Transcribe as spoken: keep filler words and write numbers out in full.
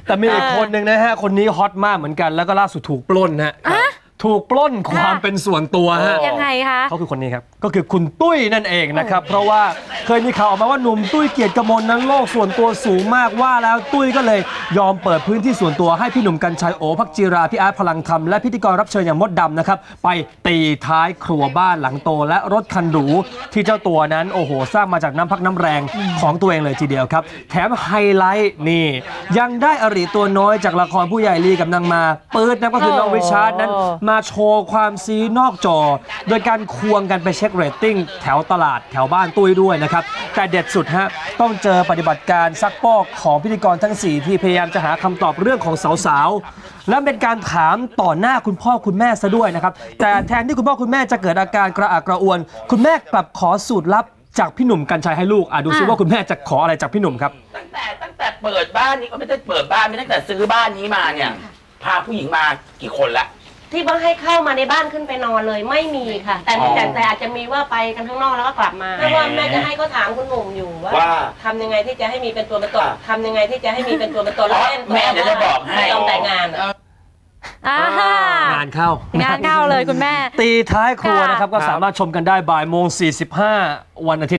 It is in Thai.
แต่มีอีกคนหนึ่งนะฮะคนนี้ฮอตมากเหมือนกันแล้วก็ล่าสุดถูกปล้นฮะถูกปล้นความเป็นส่วนตัวฮะยังไงคะเขาคือคนนี้ครับก็คือคุณตุ้ยนั่นเองนะครับเพราะว่าเคยมีข่าวออกมาว่าหนุ่มตุ้ยเกียรติกมลนั้นโลกส่วนตัวสูงมากว่าแล้วตุ้ยก็เลยยอมเปิดพื้นที่ส่วนตัวให้พี่หนุ่มกรรชัยโอภักจีราพี่อาร์ตพลังธรรมและพิธีกรรับเชิญอย่างมดดำนะครับไปตีท้ายครัวบ้านหลังโตและรถคันหรูที่เจ้าตัวนั้นโอ้โหสร้างมาจากน้ำพักน้ำแรงของตัวเองเลยทีเดียวครับแถมไฮไลท์นี่ยังได้อริตัวน้อยจากละครผู้ใหญ่ลีกับนางมาปื๊ดนั่นก็คือน้องริชาร์ดนั้นมาโชว์ความซีนอกจอโดยการควงกันไปเช็คเรตติ้งแถวตลาดแถวบ้านตุ้ยด้วยนะครับแต่เด็ดสุดฮะต้องเจอปฏิบัติการซักปอกของพิธีกรทั้งสี่ที่พยายามจะหาคำตอบเรื่องของสาวๆและเป็นการถามต่อหน้าคุณพ่อคุณแม่ซะด้วยนะครับแต่แทนที่คุณพ่อคุณแม่จะเกิดอาการกระอักกระอ่วนคุณแม่กลับขอสูตรลับจากพี่หนุ่มกรรชัยให้ลูกอ่ะดูซิว่าคุณแม่จะขออะไรจากพี่หนุ่มครับตั้งแต่ตั้งแต่เปิดบ้านนี้ก็ไม่ได้เปิดบ้านไม่ตั้งแต่ซื้อบ้านนี้มาเนี่ยพาผู้หญิงมากี่คนละที่ว่าให้เข้ามาในบ้านขึ้นไปนอนเลยไม่มีค่ะแต่แต่แต่อาจจะมีว่าไปกันข้างนอกแล้วก็กลับมาเพราะว่าแม่จะให้เขาถามคุณหนุ่มอยู่ว่าทำยังไงที่จะให้มีเป็นตัวเป็นตนทำยังไงที่จะให้มีเป็นตัวเป็นตนแล้วเล่นแม่จะบอกให้ต้องแต่งงานงานเข้างานเข้าเลยคุณแม่ตีท้ายครัวนะครับก็สามารถชมกันได้บ่ายโมงสี่สิบห้าวันอาทิตย์